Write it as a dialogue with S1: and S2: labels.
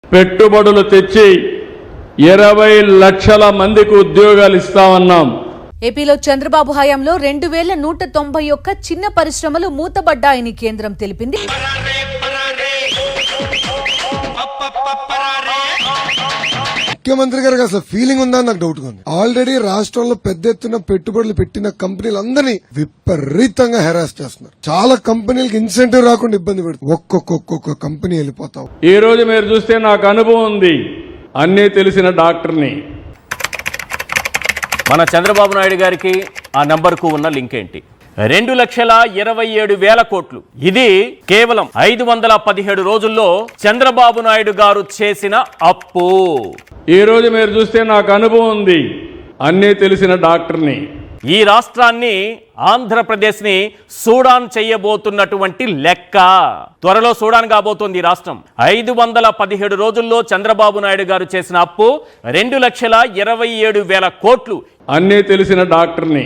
S1: పెట్టుబడులు తెచ్చి 20 లక్షల మందికి ఉద్యోగాలు ఇస్తామన్నాం.
S2: ఏపీలో చంద్రబాబు హయాంలో 2191 చిన్న పరిశ్రమలు మూతబడ్డాయని కేంద్రం తెలిపింది.
S3: ముఖ్యమంత్రి గారికి అసలు ఫీలింగ్ ఉందా నాకు డౌట్ ఉంది. ఆల్రెడీ రాష్ట్రంలో పెద్ద ఎత్తున పెట్టుబడులు పెట్టిన కంపెనీలందరినీ విపరీతంగా హెరాస్ చేస్తున్నారు. చాలా కంపెనీలకు ఇన్సెంటివ్ రాకుండా ఇబ్బంది పెడుతుంది. ఒక్కొక్క కంపెనీ వెళ్ళిపోతావు.
S1: ఈ రోజు మీరు చూస్తే నాకు అనుభవం ఉంది. అన్నీ తెలిసిన డాక్టర్ని.
S4: మన చంద్రబాబు నాయుడు గారికి ఆ నంబర్కు ఉన్న లింక్ ఏంటి? 2,27,000 కోట్లు. ఇది కేవలం 517 రోజుల్లో చంద్రబాబు నాయుడు గారు చేసిన అప్పు.
S1: ఈ రోజు మీరు చూస్తే నాకు అనుభవం ఉంది. అన్నీ తెలిసిన డాక్టర్ని.
S4: ఈ రాష్ట్రాన్ని, ఆంధ్రప్రదేశ్ ని సూడాన్ చేయబోతున్నటువంటి లెక్క. త్వరలో సూడాన్ కాబోతోంది ఈ రాష్ట్రం. 517 రోజుల్లో చంద్రబాబు నాయుడు గారు చేసిన అప్పు 2,27,000 కోట్లు.
S1: అన్నీ తెలిసిన డాక్టర్ని.